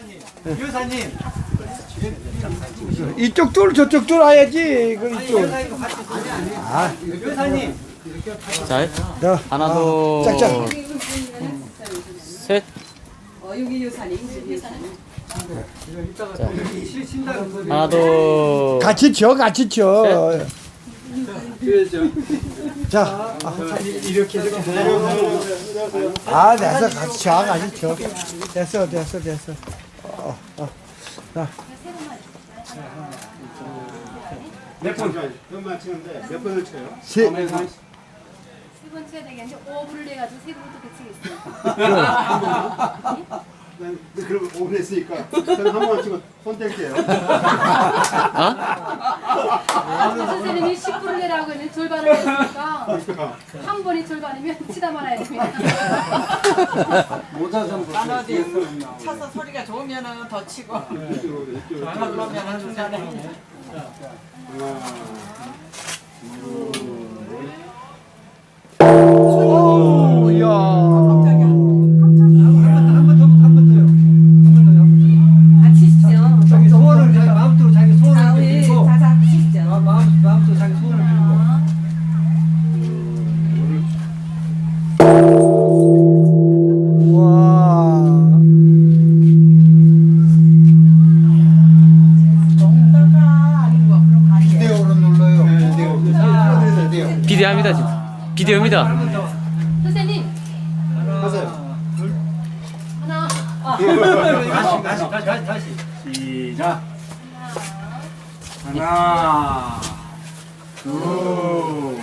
여사님. 이쪽 둘 저쪽 둘 와야지. 그 이쪽. 아, 여사님. 자, 너 하나, 둘, 짝짝. 셋. 여기 요사님, 여기 요사님. 하나, 둘. 같이 쳐, 같이 쳐. 자, 이렇게 아, 됐어, 같이 쳐, 같이 쳐. 됐어. 자, 몇번 치는데 몇 번을 쳐요? 세, 세 번 쳐야 되겠는데 5분을 해가지고 세 번부터 배치겠어요. 난 그럼 오래 했으니까 저는 한 번 치고 손 뗄게요. 선생님이 10분을 내라고 했는데 절반을 했으니까 한 번이 절반이면 치다 말아야 됩니다. 쳐서 소리가 좋으면은 더 치고. 그러면은 중간에. 오, 야. 아, 치십시오. 자기 소원을 자기 마음대로 자기 소원을 아, 우리 빌고 자자 치십시오. 마음대로 자기 소원을 빌고. 와. 농다가 아닌 거 그럼 아니에요. 비데오로 눌러요. 비데오. 비대합니다, 지금. 비대오입니다. 선생님 하세요. 하나, 다시. 시작. 하나, 둘,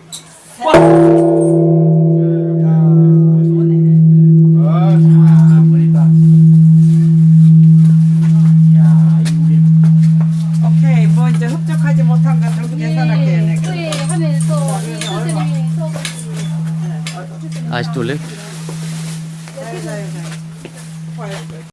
오케이, 뭐 이제 흡족하지 못한 거 전부 계산할게요. 예, 내가. 후회하면서 이 선생님이 수업을 아직도 올래? 자유.